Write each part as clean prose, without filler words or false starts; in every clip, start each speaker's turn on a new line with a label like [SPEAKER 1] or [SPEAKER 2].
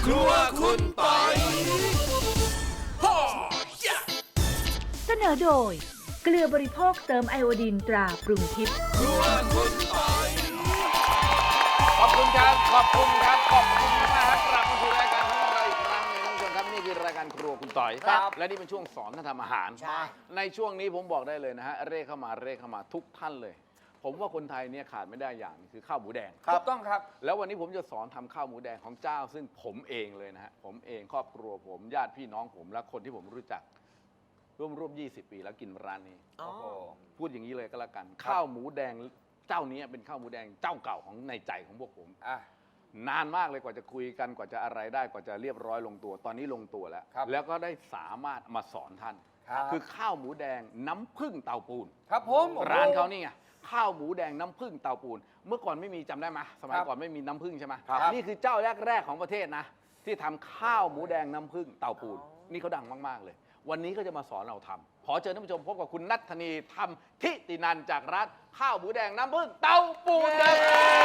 [SPEAKER 1] ครัวคุณปอย
[SPEAKER 2] เสนอโดยเกลือบริโภคเติมไอโอดีนตราปรุงทิพย์
[SPEAKER 1] ครัวคุณปอย
[SPEAKER 3] ขอบคุณครับ ขอบคุณครับ ขอบคุณมากครับกลับมาสู่รายการของเราอีกครั้งหนึงท่านผู้ชมครับนี่คือรายการครัวคุณต่อย
[SPEAKER 1] ครับ
[SPEAKER 3] และนี่เป็นช่วงสอนท่านทำอาหาร
[SPEAKER 1] ใช่
[SPEAKER 3] ในช่วงนี้ผมบอกได้เลยนะฮะเร่เข้ามาทุกท่านเลย ผมว่าคนไทยเนี่ยขาดไม่ได้อย่างคือข้าวหมูแดง
[SPEAKER 1] ถูกต้องครับ
[SPEAKER 3] แล้ววันนี้ผมจะสอนทำข้าวหมูแดงของเจ้า ซึ่งผมเองเลยนะฮะผมเองครอบครัวผมญาติพี่น้องผมและคนที่ผมรู้จักร่วม20 ปีแล้วกินร้านนี้
[SPEAKER 1] โอ้โห
[SPEAKER 3] พูดอย่างนี้เลยก็แล้วกัน ข้าวหมูแดงเจ้านี้เป็นข้าวหมูแดงเจ้าเก่าของในใจของพวกผม
[SPEAKER 1] อ่ะ
[SPEAKER 3] นานมากเลยกว่าจะคุยกันกว่าจะอะไรได้กว่าจะเรียบร้อยลงตัว ตอนนี้ลงตัวแล้ว
[SPEAKER 1] ครับ
[SPEAKER 3] แล้วก็ได้สามารถมาสอนท่าน
[SPEAKER 1] ครับ
[SPEAKER 3] คือข้าวหมูแดงน้ำผึ้งเตาปูน
[SPEAKER 1] ครับผม
[SPEAKER 3] ร้านเขานี่ไงข้าวหมูแดงน้ำผึ้งเตาปูน เมื่อก่อนไม่มีจำได้ไหมสมัยก่อนไม่มีน้ำผึ้งใช่ไหม
[SPEAKER 1] ครับ
[SPEAKER 3] นี่คือเจ้าแรกๆของประเทศนะ ที่ทำข้าวหมูแดงน้ำผึ้งเตาปูน นี่เขาดังมากๆเลย วันนี้ก็จะมาสอนเราทำขอเชิญท่านผู้ชมพบกับคุณนัทธนีธรรมทิตินันท์จากร้านข้าวหมูแดงน้ำผึ้งเตาปูนครับ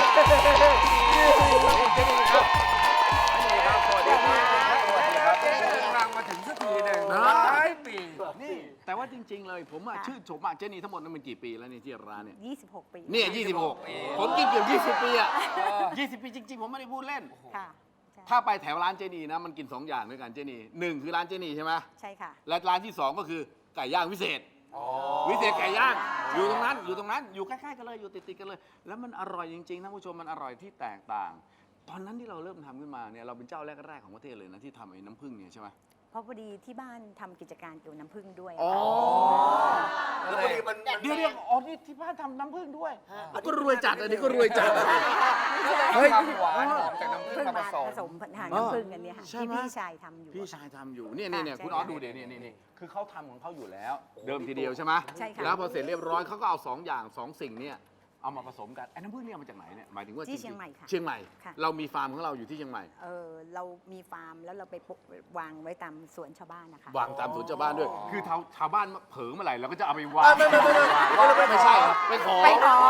[SPEAKER 3] นี่ครับสวัสดีครับสวัสดีครับ
[SPEAKER 1] เดินทางมาถึงสักทีหนึ่ง
[SPEAKER 3] นะ
[SPEAKER 1] หลายปี
[SPEAKER 3] นี่แต่ว่าจริง ๆ เลยผมชื่นชมมากเจนี่ทั้งหมดนั้นมันกี่ปีแล้วนี่ที่ร้านเนี่ย
[SPEAKER 4] 26 ปี
[SPEAKER 3] เนี่ย26 ผมกินเกือบ20 ปีอ่ะ20 ปีจริง ๆ ผมไม่ได้พูดเล่น
[SPEAKER 4] ค่ะใช่
[SPEAKER 3] ถ้าไปแถวร้านเจนีนะมันกิน 2 อย่างด้วยกันเจนีหนึ่งคือร้านเจนีใช่ไหม
[SPEAKER 4] ใช่ค่ะ
[SPEAKER 3] และร้านที่ 2 ก็คือไก่ย่างวิเศษ วิเศษไก่ย่างอยู่ตรงนั้นอยู่ใกล้ๆกันเลยอยู่ติดๆกันเลย แล้วมันอร่อยจริงๆท่านผู้ชมมันอร่อยที่แตกต่าง ตอนนั้นที่เราเริ่มทำขึ้นมาเนี่ยเราเป็นเจ้าแรกๆของประเทศเลยนะที่ทำไอ้น้ำผึ้งเนี่ยใช่ไหม
[SPEAKER 4] เพราะพอดีที่บ้านทำกิจการเกี่ยวน้ำผึ้งด้วย
[SPEAKER 3] อ๋อ
[SPEAKER 1] แล้วพอดีมัน
[SPEAKER 3] เดี๋ยวอ๋อนี่ที่บ้านทำน้ำผึ้งด้วยก็รวยจัดอันนี้ก็รวยจัด
[SPEAKER 1] เฮ้ยความหวานหอมจากน้ำผึ้ง
[SPEAKER 4] เพิ่ง
[SPEAKER 1] มา
[SPEAKER 4] มา
[SPEAKER 1] ผสม
[SPEAKER 4] ผสมหางน้ำผึ้งกันเนี่ยค่ะ
[SPEAKER 3] ใช่
[SPEAKER 4] ที่
[SPEAKER 3] ไหม
[SPEAKER 4] พี่ชายทำอยู่
[SPEAKER 3] พี่ชายทำอยู่เนี่ย
[SPEAKER 4] ค่ะ
[SPEAKER 3] เนี่ย
[SPEAKER 4] ใช่
[SPEAKER 3] คุณออสดูเดี๋ยวนี่คือเขาทำของเขาอยู่แล้ว เดิมทีเดียวใช่ไหม
[SPEAKER 4] ใช่ค่ะ
[SPEAKER 3] แล้วพอเสร็จเรียบร้อยเขาก็เอา2 อย่าง 2 สิ่งเนี่ยเอามาผสมกันไอ้น้ำผึ้งเนี่ยเอามาจากไหนเนี่ยหมายถึงว่า
[SPEAKER 4] ที่เชียงใหม่ค่ะ
[SPEAKER 3] เชียงใหม่
[SPEAKER 4] ค่ะ
[SPEAKER 3] เรามีฟาร์มของเราอยู่ที่เชียงใหม่
[SPEAKER 4] เรามีฟาร์มแล้วเราไปวางไว้ตามสวนชาวบ้านนะคะ
[SPEAKER 3] วางตามสวนชาวบ้านด้วย คือชาวบ้านเผลอเมื่อไหร่เราก็จะเอาไปวาง ไม่ใช่ครับไปขอ
[SPEAKER 4] ไปขอ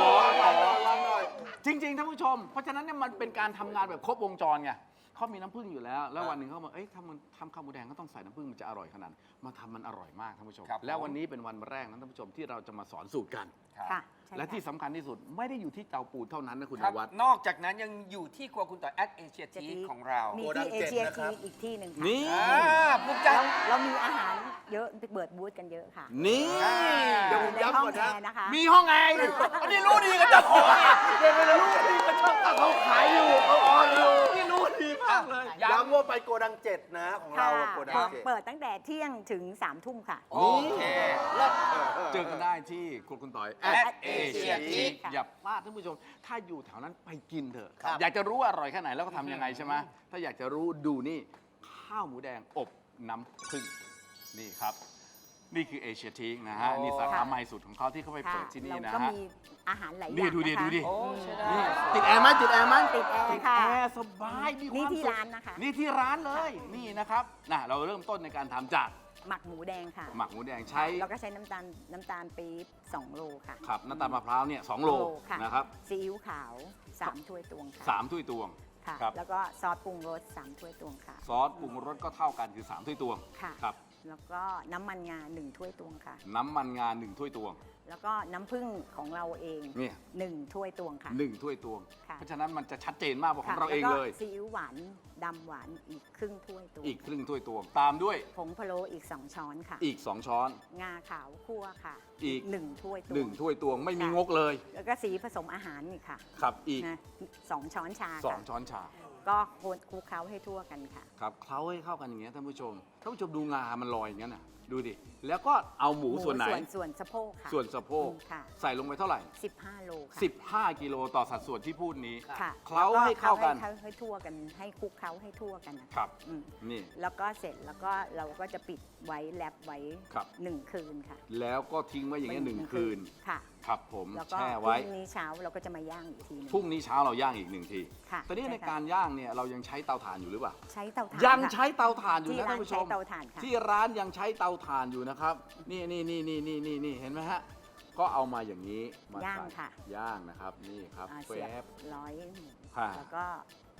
[SPEAKER 3] จริงๆท่านผู้ชม เพราะฉะนั้นเนี่ยมันเป็นการทำงานแบบครบวงจรไงเขามีน้ำผึ้งอยู่แล้ว แล้ววันหนึ่งเขาบอกเอ้ยถ้ามันทำข้าวหมูแดงก็ต้องใส่น้ำผึ้งมันจะอร่อยขนาดนั้นมาทำมันอร่อยมากท่านผู้ชม
[SPEAKER 1] ครับ
[SPEAKER 3] แล้ววันนี้เป็นวันแรกนะท่านผู้ชมที่เราจะมาสอนสูตรกัน
[SPEAKER 4] ค่ะใช่
[SPEAKER 3] และที่
[SPEAKER 4] ค่
[SPEAKER 3] สำคัญที่สุดไม่ได้อยู่ที่เตาปูนเท่านั้นนะคุณ
[SPEAKER 1] ครับ
[SPEAKER 3] นวัด
[SPEAKER 1] นอกจากนั้นยังอยู่ที่ครัวคุณต่อยแอดเอเชีย
[SPEAKER 4] จะ
[SPEAKER 1] ที
[SPEAKER 4] มี
[SPEAKER 1] ของเรา
[SPEAKER 4] มีที่เอเชียทีอีกที่หนึ่งค่ะ
[SPEAKER 3] นี่
[SPEAKER 1] ภูมิใจ
[SPEAKER 4] เรามีอาหารเยอะเปิดบูธกันเยอะค่ะ
[SPEAKER 3] นี่
[SPEAKER 1] เดี๋ยวผม
[SPEAKER 4] ในห้องแอร์นะคะ
[SPEAKER 3] มีห้องแอร์อยู่
[SPEAKER 1] อันนี้รู้ดีกันเจ้าของเนี่ย
[SPEAKER 3] รู้ดีก็ชอบเขาขายอยู่เขาออนอยู่นี่รู้ดีมากเลย
[SPEAKER 5] ย้ำว่าไปโกดัง 7 นะของเรา
[SPEAKER 4] ค่ะ
[SPEAKER 5] อะโกดัง 7
[SPEAKER 4] เปิดตั้งแต่เที่ยงถึง3 ทุ่มค่ะ
[SPEAKER 1] โอเค
[SPEAKER 3] เจอกันได้ที่ครัวคุณต่อย
[SPEAKER 1] at Asia Teak
[SPEAKER 3] อย่าพลาดท่านผู้ชม ถ้าอยู่แถวนั้นไปกินเถอะ
[SPEAKER 5] ครับ
[SPEAKER 3] อยากจะรู้ว่าอร่อยแค่ไหนแล้วก็ทำยังไงใช่ไหมถ้าอยากจะรู้ดูนี่ข้าวหมูแดงอบน้ำผึ้งนี่ครับ นี่คือเอเชียทีนะฮะ
[SPEAKER 1] โอ้
[SPEAKER 3] นี่สาขาใหม่สุดของเขาที่เขาไปเปิดที่นี่นะ
[SPEAKER 4] เราก็
[SPEAKER 3] ฮะ
[SPEAKER 4] มีอาหารหลายอย่าง
[SPEAKER 3] นี่ดูดิ
[SPEAKER 4] นะคะ
[SPEAKER 3] ดูดิ
[SPEAKER 1] โอ้ใช่ได้
[SPEAKER 3] นี่ติดแอร์ไหมติดแอร์ไหม
[SPEAKER 4] ติดแอร์ค่ะ
[SPEAKER 3] แอร์สบายมีความ
[SPEAKER 4] นี่ที่
[SPEAKER 3] สุข
[SPEAKER 4] ร้านนะคะ
[SPEAKER 3] นี่ที่ร้านเลยนี่นะครับนะเราเริ่มต้นในการทำจาก
[SPEAKER 4] หมักหมูแดงค่ะ
[SPEAKER 3] หมักหมูแดงใช้
[SPEAKER 4] แล้วก็ใช้น้ำตาลปี๊บ2 โลค่ะ
[SPEAKER 3] ครับน้ำตาลมะพร้าวเนี่ย2 โล
[SPEAKER 4] ค่ะ
[SPEAKER 3] นะครับ
[SPEAKER 4] ซีอิ๊วขาว 3 ถ้วยตวงค่ะ
[SPEAKER 3] 3 ถ้วยตวง
[SPEAKER 4] ค่ะ
[SPEAKER 3] ครับ
[SPEAKER 4] แล้วก็ซอสปรุงรส3 ถ้วยตวงค่ะ
[SPEAKER 3] ซอสปรุงรสก็เท่ากันคือ3 ถ้วยตวง
[SPEAKER 4] ค่ะ
[SPEAKER 3] ครับ
[SPEAKER 4] แล้วก็น้ำมันงา1 ถ้วยตวงค่ะ
[SPEAKER 3] น้ำมันงา1 ถ้วยตวง
[SPEAKER 4] แล้วก็น้ำผึ้งของเราเอง
[SPEAKER 3] เนี่ย
[SPEAKER 4] 1 ถ้วยตวงค่ะ
[SPEAKER 3] 1 ถ้วยตวง
[SPEAKER 4] ค่ะ
[SPEAKER 3] เพราะฉะนั้นมันจะชัดเจนมากกว่าของเราเอง
[SPEAKER 4] แล้วก็
[SPEAKER 3] เลย
[SPEAKER 4] ซีอิ๊วหวานดำหวานอีกครึ่งถ้วยตวง
[SPEAKER 3] อีกครึ่งถ้วยตวง ตามด้วย
[SPEAKER 4] ผงพะโล้อีก2 ช้อนค่ะ
[SPEAKER 3] อีก 2 ช้อน
[SPEAKER 4] งาขาวคั่วค่ะ
[SPEAKER 3] อีก
[SPEAKER 4] 1 ถ้วยตวง
[SPEAKER 3] 1 ถ้วยตวงไม่มีงกเลย
[SPEAKER 4] แล้วก็สีผสมอาหารนี่ค่ะ
[SPEAKER 3] ครับอีก
[SPEAKER 4] นะ2 ช้อนชาค่ะ
[SPEAKER 3] 2 ช้อนชา
[SPEAKER 4] ก็คนคลุกเคล้าให้ทั่วกันค่ะ
[SPEAKER 3] ครับเคล้าให้เข้ากันอย่างเงี้ยท่านผู้ชมดูงามันลอยอย่างเงี้ยน่ะดูดิแล้วก็เอาหมูส่วนไหน
[SPEAKER 4] ส่วนสะโพกค่ะ
[SPEAKER 3] ส่วนสะโพก
[SPEAKER 4] ค่ะ
[SPEAKER 3] ใส่ลงไปเท่าไหร่
[SPEAKER 4] 15 โลค่ะ
[SPEAKER 3] 15 กิโลต่อสัดส่วนที่พูดนี้
[SPEAKER 4] ค่ะ
[SPEAKER 3] เคล้าให้เข้ากัน
[SPEAKER 4] ให้ทั่วกันให้คลุกเคล้าให้ทั่วกันนะะ
[SPEAKER 3] ครับ
[SPEAKER 4] อืม
[SPEAKER 3] นี่
[SPEAKER 4] แล้วก็เสร็จแล้วก็เราก็จะปิดไว้แรปไว้
[SPEAKER 3] ครับ
[SPEAKER 4] 1 คืนค่ะ
[SPEAKER 3] แล้วก็ทิ้งไว้อย่างเงี้ยหนึ่งคืน
[SPEAKER 4] ค่ะ
[SPEAKER 3] ครับผม
[SPEAKER 4] แล้วก็
[SPEAKER 3] แช่
[SPEAKER 4] พ
[SPEAKER 3] ไว้
[SPEAKER 4] รุ่งนี้เช้าเราก็จะมาย่างอีกทีหนึง
[SPEAKER 3] พรุ่งนี้เช้าเราย่างอีก1 ที
[SPEAKER 4] ค่ะ
[SPEAKER 3] ตอนนี้ใน
[SPEAKER 4] ช่ค่ะ
[SPEAKER 3] การย่างเนี่ยเรายังใช้เตาถ่านอยู่หรือเปล่า
[SPEAKER 4] ใช้เตาถ่าน
[SPEAKER 3] ยัง
[SPEAKER 4] ค่ะ
[SPEAKER 3] ใช้เตาถ่านอยู่
[SPEAKER 4] ที่
[SPEAKER 3] นะ
[SPEAKER 4] ร้า
[SPEAKER 3] ท่าน นผู้ช
[SPEAKER 4] ใช้
[SPEAKER 3] ม
[SPEAKER 4] เตาถ่านค่ะ
[SPEAKER 3] ที่ร้านยังใช้เตาถ่านอยู่นะครับนี่เห็นไหมฮะก็เอามาอย่างนี้มา
[SPEAKER 4] ย่าง
[SPEAKER 3] ใส่
[SPEAKER 4] ค่ะ
[SPEAKER 3] ย่างนะครับนี่ครับ
[SPEAKER 4] เสียบ
[SPEAKER 3] แป๊บ
[SPEAKER 4] ร้อยหมู
[SPEAKER 3] ค่ะ
[SPEAKER 4] แล้วก็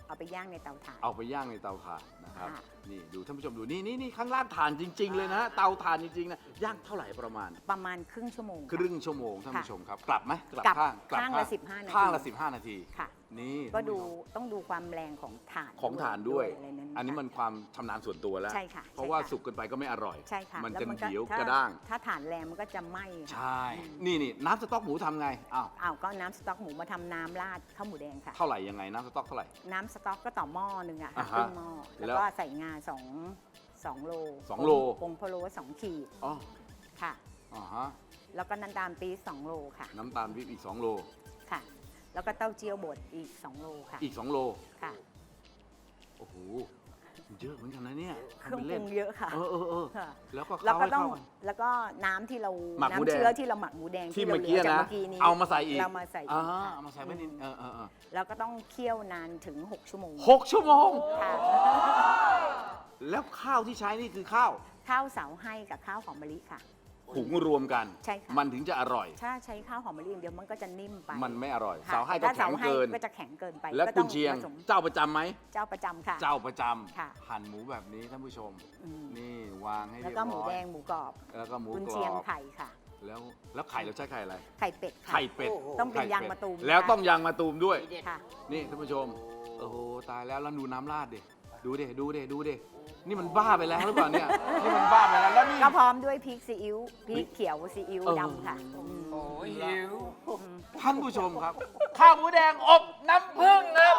[SPEAKER 4] เอาไปย่างในเตาถ่าน
[SPEAKER 3] เอาไปย่างในเตาถ่านนะครับ
[SPEAKER 4] ค่ะ
[SPEAKER 3] นี่ดูท่านผู้ชมดูนี่ข้างล่างถ่านจริง ๆ เลยนะเตาถ่านจริงๆนะย่างเท่าไหร่ประมาณ
[SPEAKER 4] ประมาณครึ่งชั่วโมง
[SPEAKER 3] ครึ่งชั่วโมงท่าน
[SPEAKER 4] ค่ะ
[SPEAKER 3] ผู้ชมครับ กลับไหม
[SPEAKER 4] กลับ
[SPEAKER 3] ข้าง
[SPEAKER 4] ข้างละ15นาที
[SPEAKER 3] ข้างละ15 นาที
[SPEAKER 4] ค่ะ
[SPEAKER 3] นี่
[SPEAKER 4] ก็
[SPEAKER 3] ท่าน
[SPEAKER 4] ดู
[SPEAKER 3] ผู้ชม
[SPEAKER 4] ต้องดูความแรงของถ่าน
[SPEAKER 3] ของถ่านด้วย
[SPEAKER 4] อะไรนั้น
[SPEAKER 3] อันนี้มันความชำนาญส่วนตัวแล้ว
[SPEAKER 4] ใช่ค่ะ
[SPEAKER 3] เพราะว่า
[SPEAKER 4] ใช่ค่ะ
[SPEAKER 3] สุกเกินไปก็ไม่อร่อย
[SPEAKER 4] ใช่ค่ะ
[SPEAKER 3] มัน
[SPEAKER 4] แล้ว
[SPEAKER 3] จะ
[SPEAKER 4] ก็
[SPEAKER 3] เหนียว
[SPEAKER 4] ถ้
[SPEAKER 3] กระด้าง
[SPEAKER 4] ถ้าถ่านแรงมันก็จะไหม้ค่ะ
[SPEAKER 3] ใช่ นี่น้ำสต๊อกหมูทำไงอ้าว
[SPEAKER 4] อ้าวก็น้ำสต๊อกหมูมาทำน้ำราดข้าวหมูแดงค่ะ
[SPEAKER 3] เท่าไหร่ยังไงน้ำสต๊อกเท่าไหร่
[SPEAKER 4] น้ำสต๊อกก็ต่อหม้อหนึ่งอะค่ะ
[SPEAKER 3] อ่า
[SPEAKER 4] ค
[SPEAKER 3] ฮะ
[SPEAKER 4] รึ่งหม้อ
[SPEAKER 3] แล้
[SPEAKER 4] แล้ว วก็ใส่งา2 โล
[SPEAKER 3] 2 โล
[SPEAKER 4] ผงพะโล้2 ขีด
[SPEAKER 3] อ๋อ
[SPEAKER 4] ค่ะ
[SPEAKER 3] อ่าฮะ
[SPEAKER 4] แล้วก็น้ำตาลปี๊บ2 โลค่ะ
[SPEAKER 3] น้ำตาลวิปอีก2 โล
[SPEAKER 4] ค่ะ แล้วก็เต้าเจี้ยวบดอีก2 โลค่ะ
[SPEAKER 3] อีก2 โล
[SPEAKER 4] ค่ะ
[SPEAKER 3] โอ้โหเยอะเหมือนกันนะเนี่ย
[SPEAKER 4] เครื่อง
[SPEAKER 3] ทำป็น
[SPEAKER 4] ป
[SPEAKER 3] ล่
[SPEAKER 4] รุ
[SPEAKER 3] น
[SPEAKER 4] งเยอะค่ะ
[SPEAKER 3] เออ
[SPEAKER 4] ค่ะ
[SPEAKER 3] แล้วก็
[SPEAKER 4] แล้ว
[SPEAKER 3] เข้า
[SPEAKER 4] ก็
[SPEAKER 3] ให้
[SPEAKER 4] ต้อง
[SPEAKER 3] เข้ากัน
[SPEAKER 4] แล้วก็น้ำที่เรา
[SPEAKER 3] หมักหมูแดง
[SPEAKER 4] น้ำเชื้อที่เราหมักหมูแดง
[SPEAKER 3] ที่
[SPEAKER 4] เรา
[SPEAKER 3] เมื่อกี้
[SPEAKER 4] หลืจาก
[SPEAKER 3] นะ
[SPEAKER 4] เมื่อกี้นี้
[SPEAKER 3] เอามาใส่อีก
[SPEAKER 4] เรามาใส่อี
[SPEAKER 3] อ่าก
[SPEAKER 4] ค่ะ
[SPEAKER 3] เอามาใส่ไว้นิดเออ
[SPEAKER 4] แล้วก็ต้องเคี่ยวนานถึง6 ชั่วโมง
[SPEAKER 3] 6 ชั่วโมง
[SPEAKER 4] ค่ะ
[SPEAKER 3] แล้วข้าวที่ใช้นี่คือข้าว
[SPEAKER 4] ข้าวเสาให้กับข้าวหอมมะลิค่ะ
[SPEAKER 3] หุงรวมกัน
[SPEAKER 4] ใช่ค่ะ
[SPEAKER 3] มันถึงจะอร่อย
[SPEAKER 4] ถ้าใช้ข้าวหอมมะลิอย่างเดียวมันก็จะนิ่มไป
[SPEAKER 3] มันไม่อร่อย
[SPEAKER 4] ค่ะ
[SPEAKER 3] เสาให้ก็
[SPEAKER 4] แต่
[SPEAKER 3] แข็ง
[SPEAKER 4] ถ้า
[SPEAKER 3] เกิน
[SPEAKER 4] สาให้ก็จะแข็งเกินไป
[SPEAKER 3] แล้ว
[SPEAKER 4] ก็
[SPEAKER 3] คุ
[SPEAKER 4] ต้
[SPEAKER 3] ณ
[SPEAKER 4] อง
[SPEAKER 3] เชียง
[SPEAKER 4] ผสม
[SPEAKER 3] เจ้าประจำไหม
[SPEAKER 4] เจ้าประจำค่ะ
[SPEAKER 3] เจ้าประจำ
[SPEAKER 4] ค่ะ
[SPEAKER 3] หั่นหมูแบบนี้ท่านผู้ชม
[SPEAKER 4] อืม
[SPEAKER 3] นี่วางให้
[SPEAKER 4] แล้ว
[SPEAKER 3] เรียบ
[SPEAKER 4] ก็หมู
[SPEAKER 3] ร้อย
[SPEAKER 4] แดงหมูกรอบ
[SPEAKER 3] แล้วก็หมู
[SPEAKER 4] กุน
[SPEAKER 3] กร
[SPEAKER 4] เชียง
[SPEAKER 3] อบ
[SPEAKER 4] ไข่ค่ะ
[SPEAKER 3] แล้วไข่เราใช้ไข่อะไร
[SPEAKER 4] ไข่เป็ดค่ะ
[SPEAKER 3] ไข่เป็ด
[SPEAKER 4] ต้องเป็น
[SPEAKER 3] ไข่
[SPEAKER 4] ยางมะตูม
[SPEAKER 3] แล้ว
[SPEAKER 4] นะคะ
[SPEAKER 3] ต้องยางมะตูมด้วย
[SPEAKER 4] ค่ะ
[SPEAKER 3] นี่ท่านผู้ชม โอ้โหตายแล้วดูน้ำราดดิดูดินี่มันบ้าไปแล้วหรือเปล่าเนี่ยนี่มันบ้าไปแล้วแล้วนี่
[SPEAKER 4] ก็พร้อมด้วยพริกซีอิ๊วพริกเขียวซีอิ๊วดำค่ะม
[SPEAKER 1] โอ้ยหิว
[SPEAKER 3] ท่านผู้ชมครับ ข้าวหมูแดงอบน้ำผึ้งนะครับ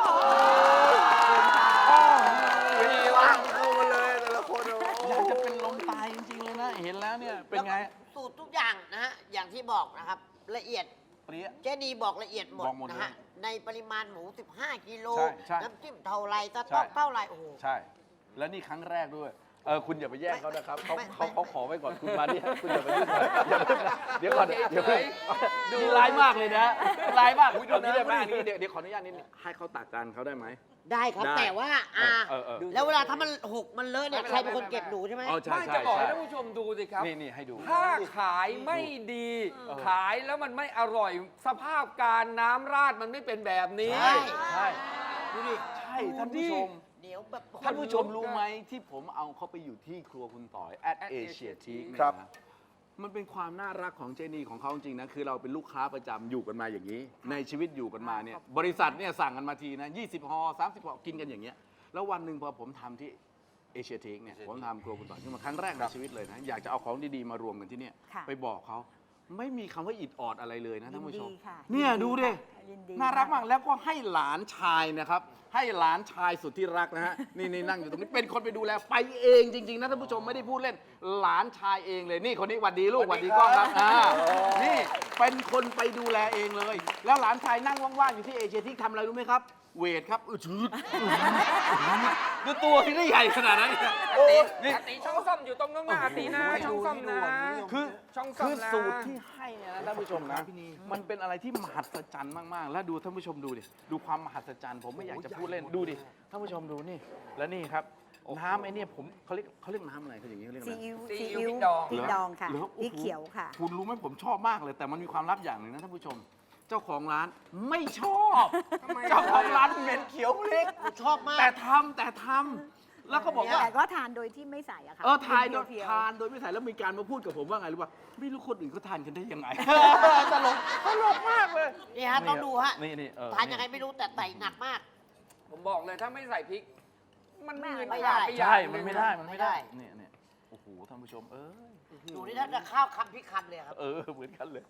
[SPEAKER 5] มีว่างเข้ามาเลยแต่ละคนโอ้
[SPEAKER 3] อยากจะเป็นลมตายจริงๆเลยนะ เห็นแล้วเนี่ยเป็นไง
[SPEAKER 6] สูตรทุกอย่างนะฮะ อย่างที่บอกนะครับ ละเอียด
[SPEAKER 3] เปรี้ย
[SPEAKER 6] เจดีบอกละเอียดหมด
[SPEAKER 3] บอกหมด
[SPEAKER 6] นะ
[SPEAKER 3] เลย
[SPEAKER 6] ฮะ ในปริมาณหมู 15 กิโล
[SPEAKER 3] ใช่
[SPEAKER 6] น้ำจิ้มเท่าไรส
[SPEAKER 3] ใช่
[SPEAKER 6] ต๊อกเท่าไรโอ้โห
[SPEAKER 3] ใช่ แล้วนี่ครั้งแรกด้วย คุณอย่าไปแย่งเขานะครับเขา
[SPEAKER 6] ไม่
[SPEAKER 3] เขาขอไว้ก่อนคุณมาดิคุณอย่าไปยุ่งเลยอย่าเพิ่งนะเดี๋ยวก่อนเดี๋ยวเพิ่งดูร้ายมากเลยนะร้ายมากเอางี้ได้ไหมอันนี้เดี๋ยวขออนุญาตนิดนึงให้เขาตักกันเขาได้ไหม
[SPEAKER 6] ได้ครับ
[SPEAKER 3] ได้
[SPEAKER 6] แต่ว่า
[SPEAKER 3] เออ
[SPEAKER 6] แล้วเวลาถ้ามันหกมันเลอะเนี่ย ใครเป็นคนเก็บหนูใช่ไหม
[SPEAKER 3] อ๋อใช่
[SPEAKER 1] ไม่
[SPEAKER 3] ใช่
[SPEAKER 1] จะบอกให้
[SPEAKER 3] ใช่
[SPEAKER 1] ท่านผู้ชมดูสิครับ
[SPEAKER 3] นี่ให้ดู
[SPEAKER 1] ถ้าขายไม่ดี ขายแล้วมันไม่อร่อย สภาพการน้ำราดมันไม่เป็นแบบนี้
[SPEAKER 6] ใช่
[SPEAKER 3] ใช่ดูดิใช่ท่านผู้ชม
[SPEAKER 6] เดี๋ยวแบบ
[SPEAKER 3] ท่านผู้ชมรู้ไหมที่ผมเอาเขาไปอยู่ที่ครัวคุณต่อย at Asia Teak เนี่ย
[SPEAKER 5] ครับ
[SPEAKER 3] นะมันเป็นความน่ารักของเจนี่ของเขาจริงๆนะคือเราเป็นลูกค้าประจำอยู่กันมาอย่างนี้ ในชีวิตอยู่กันมาเนี่ยบริษัทเนี่ยสั่งกันมาทีนะ20 ห่อ30 ห่อกินกันอย่างเงี้ยแล้ววันหนึ่งพอผมทำที่เอเชียทีกเนี่ยผมทำครัวคุณต่อยขึ้นมาครั้งแรกในชีวิตเลยนะอยากจะเอาของดีๆมารวมกันที่เนี่ย
[SPEAKER 4] ค่ะ
[SPEAKER 3] ไปบอกเขาไม่มีคำว่าอิดออดอะไรเลยนะท่านผู้ชม
[SPEAKER 4] ยินดีค่ะ
[SPEAKER 3] เนี่ย
[SPEAKER 4] ยินดี
[SPEAKER 3] ดูดิ
[SPEAKER 4] ค่ะยินดี
[SPEAKER 3] น่ารัก
[SPEAKER 4] ค่ะ
[SPEAKER 3] มากแล้วก็ให้หลานชายนะครับ ให้หลานชายสุดที่รักนะฮะ นี่นั่งอยู่ตรงนี้เป็นคนไปดูแลไปเองจริงๆนะท่านผู้ชมไม่ได้พูดเล่นหลานชายเองเลยนี่คนนี้หวัดดีลูกหวัดดีกล้องครับนี่เป็นคนไปดูแลเองเลย แล้วหลานชายนั่งว่างๆอยู่ที่เอเชียที่ทำอะไรรู้ไหมครับ เวทครับชืดดูตัวที่ได้ใหญ่ขนาดนั้นนี่
[SPEAKER 1] อาตีช่องซ่อมอยู่ตรงน้องหน้าอาตีนะช่องซ่อมนะ
[SPEAKER 3] คือ
[SPEAKER 1] ช่องซ่อม
[SPEAKER 3] คือ
[SPEAKER 1] นะ
[SPEAKER 3] สูตรที่ให้เนี่ยนะท่านผู้ชมนะมันเป็นอะไรที่มหัศจรรย์มากๆ แล้วดูท่านผู้ชมดูดิดูความมหัศจรรย์ผมไม่อยากจะพูดเล่นดูดิท่านผู้ชมดูนี่แล้วนี่ครับน้ำไอ้เนี่ยผมเขาเรียกน้ำอะไรเขาอย่างนี้เขาเรียกอะ
[SPEAKER 4] ซี
[SPEAKER 3] ไร
[SPEAKER 4] อิ๊ว
[SPEAKER 1] ซี
[SPEAKER 4] ซี
[SPEAKER 1] อิ๊ว
[SPEAKER 4] อิ๊ว
[SPEAKER 1] พริกดอง
[SPEAKER 4] พริกดองค่ะ
[SPEAKER 3] หร
[SPEAKER 4] พริกเขียวค่ะ
[SPEAKER 3] คุณรู้ไหมผมชอบมากเลย แต่มันมีความลับอย่างหนึ่งนะท่านผู้ชม เจ้าของร้านไม่ชอบ เจ้าของร้านเหม็นเขียวพริก
[SPEAKER 6] ชอบมาก
[SPEAKER 3] แต่ทำแล้วก็บอกว่า
[SPEAKER 4] แต่ก็ทานโดยที่ไม่ใส่อะค่ะ
[SPEAKER 3] ทานโดย
[SPEAKER 4] เพียว
[SPEAKER 3] ทานโดยไม่ใส่แล้วมีการมาพูดกับผมว่าไงรู้ป่ะไม่รู้คนอื่นเขาทานกันได้ยังไง ตลกมากเลย
[SPEAKER 6] นี่ฮะต้องดูฮะ
[SPEAKER 3] นี่
[SPEAKER 6] ทานยังไงไม่รู้แต่ใส่หนักมาก
[SPEAKER 1] ผมบอกเลยถ้าไม่ใส่พริก มันไม่
[SPEAKER 6] ไม่ได้
[SPEAKER 1] ป
[SPEAKER 3] ใช่
[SPEAKER 1] อย่างห
[SPEAKER 3] มัน
[SPEAKER 1] ง
[SPEAKER 3] ไม่ได้มันไม่ได้
[SPEAKER 6] ไม่ได้
[SPEAKER 3] เนี่ยโอ้โหท่านผู้ชม
[SPEAKER 6] หนูนี่ถ้าจะข้าวคำพริกคำเลยครับ
[SPEAKER 3] เหมือนกันเลย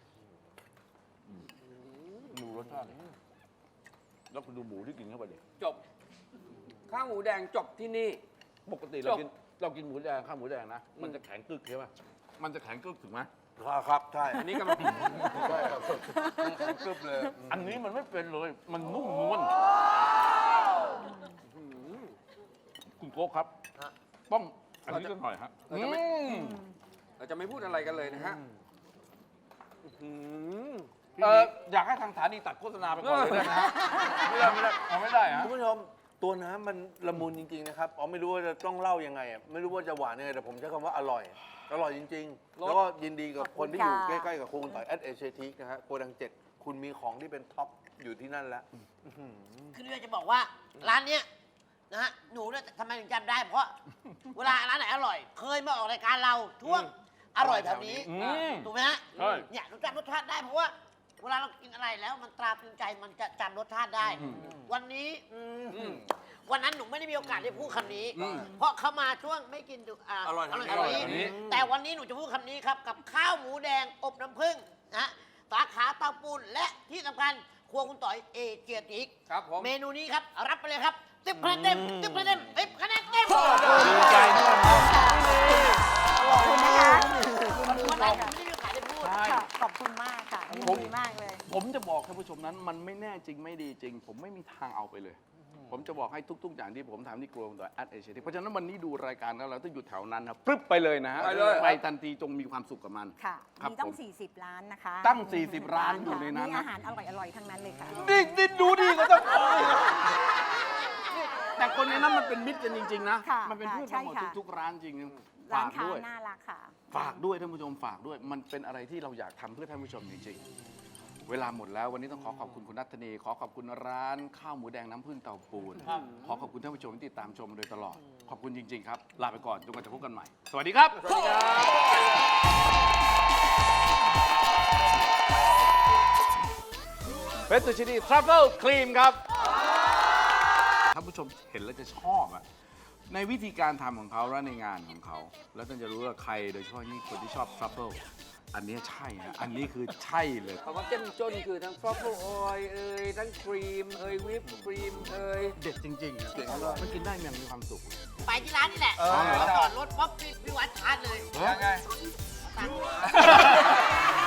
[SPEAKER 3] ดูรสชาติดิแล้วคุณดูหมูที่กินเข้าไปดิ
[SPEAKER 1] จบ ข้าวหมูแดงจบที่นี่
[SPEAKER 3] ปกติเรากินหมูแดงข้าวหมูแดงนะมันจะแข็งกึกใช่ป่ะมันจะแข็งกึกถูกไหม
[SPEAKER 5] ครับใช่
[SPEAKER 1] อันนี้กำลัง
[SPEAKER 5] ใช่ครับกึบเลย
[SPEAKER 3] อันนี้มันไม่เป็นเลยมันนุ่มนวลคุณโก้ครับต้องอันนี้ก็หน่อยฮะ
[SPEAKER 1] เราจะไม่พูดอะไรกันเลยนะฮะ
[SPEAKER 3] อยากให้ทางสถานีตัดโฆษณาไปก่อนเลยได้ไหมฮะไม่ได้เอาไม่ได้ฮะ
[SPEAKER 5] คุณผู้ชมตัวน้ำมันละมุนจริงๆนะครับอ๋อไม่รู้ว่าจะต้องเล่ายังไงอะไม่รู้ว่าจะหวานยังไงแต่ผมใช้คำว่าอร่อย อร่อยจริงๆ แล้วก็ยินดีกับคนที่อยู่ใกล้ๆกับครูคุณต่อยแอดเอเชียทีกนะฮะโกดัง7 คุณมีของที่เป็นท็อปอยู่ที่นั่นแล้ว
[SPEAKER 6] คืออยากจะบอกว่าร้านเนี้ยนะฮะหนูเนี่ยทำไมถึงจำได้ เพราะ เวลาร้านไหนอร่อย เคยมาออกรายการเราช่วงอร่อยแบบนี้ ถูกไหมฮะ
[SPEAKER 3] ใช่
[SPEAKER 6] เนี่ยหนูจำรสชาติได้เพราะว่า เวลาเรากินอะไรแล้วมันตราตรึงใจมันจะจำรสชาติได้ วันนี้วันนั้นหนูไม่ได้มีโอกาสได้พูดคำนี้ เพราะเขามาช่วงไม่กินอร่อยแบบนี้แต่วันนี้หนูจะพูดคำนี้ครับกับข้าวหมูแดงอบน้ำผึ้งนะฮะสาขาเตาปูนและที่สำคัญครัวคุณต่อยเอเจียติก
[SPEAKER 1] ครับผม
[SPEAKER 6] เมนูนี้ครับ รับไปเลยครับ10 คะแนนเต็ม10 คะแนนเต็ม10 คะแนนเต็ม
[SPEAKER 3] ดีใจมากครับ
[SPEAKER 4] ขอบคุณนะคะ
[SPEAKER 6] วันนั้นผมไม่ได้มีโอกาสได้พูด
[SPEAKER 4] ค่ะขอบคุณมากค่ะยินดีมากเลย
[SPEAKER 3] ผมจะบอกท่านผู้ชมนั้นมันไม่แน่จริงไม่ดีจริง ผมไม่มีทางเอาไปเลย ผมจะบอกให้ทุก ๆ อย่างที่ผมทำที่กลัวต่อแอดเอเชียเพราะฉะนั้นวันนี้ดูรายการแล้วเราต้องอยู่แถวนั้นครับปรึ๊บไปเลยนะฮะ
[SPEAKER 1] ไปเลย
[SPEAKER 3] ไปทันทีจงมีความสุขกับมัน
[SPEAKER 4] ค่ะ
[SPEAKER 3] ครับ
[SPEAKER 4] มีตั้
[SPEAKER 3] ผ
[SPEAKER 4] ง
[SPEAKER 3] ม
[SPEAKER 4] 40 ร้านนะคะ
[SPEAKER 3] ตั้ง40ร้านอยู่ในนั้น
[SPEAKER 4] มี
[SPEAKER 3] นะ
[SPEAKER 4] อาหารอร่อยๆทั้งนั้นเลยค่ะ
[SPEAKER 3] นี่ดูดีก็ต้องแต่คนในนั้นมันเป็นมิตรกันจริง ๆ นะ
[SPEAKER 4] ค่ะ
[SPEAKER 3] มันเป็นเพื่อนกันหมด
[SPEAKER 4] ใช่ค่ะ
[SPEAKER 3] ทุกๆร้านจริง
[SPEAKER 4] ร้า
[SPEAKER 3] ฝาน ก
[SPEAKER 4] ค้า
[SPEAKER 3] ด้วย
[SPEAKER 4] น่ารักค่ะ
[SPEAKER 3] ฝากด้วยท่านผู้ชมฝากด้วย มันเป็นอะไรที่เราอยากทำเพื่อท่านผู้ชมจริงๆ เวลาหมดแล้ววันนี้ต้องขอขอบคุณคุณนัทธนีขอขอบคุณร้านข้าวหมูแดงน้ำผึ้งเตาปูนขอขอบคุณท่านผู้ชมที่ติดตามชมมาโดยตลอด ขอบคุณจริง ๆ ครับ ลาไปก่อนจนกว่าจะพบกันใหม่ สวัสดีครับ
[SPEAKER 1] สวัสดีครับ
[SPEAKER 3] เฟสตูชินีทรัฟเฟิลครีมครับท่านผู้ชมเห็นแล้วจะชอบอะในวิธีการทำของเขาและในงานของเขา แล้วท่านจะรู้ว่าใครโดยเฉพาะยิ่งคนที่ชอบทรัฟเฟิลอันนี้ใช่ฮะอันนี้คือใช่เลย
[SPEAKER 1] คำว่าเจ้มจนคือทั้งฟรอฟเฟิลออยล์ทั้งครีมวิปครีม
[SPEAKER 3] เด็ดจริงๆนะมันกินได้อย่างมีความสุข
[SPEAKER 6] ไปที่ร้านนี่แหละจอดรถป๊อปพี่วัดชาร์จเลย
[SPEAKER 1] ยังไง
[SPEAKER 6] ตังค์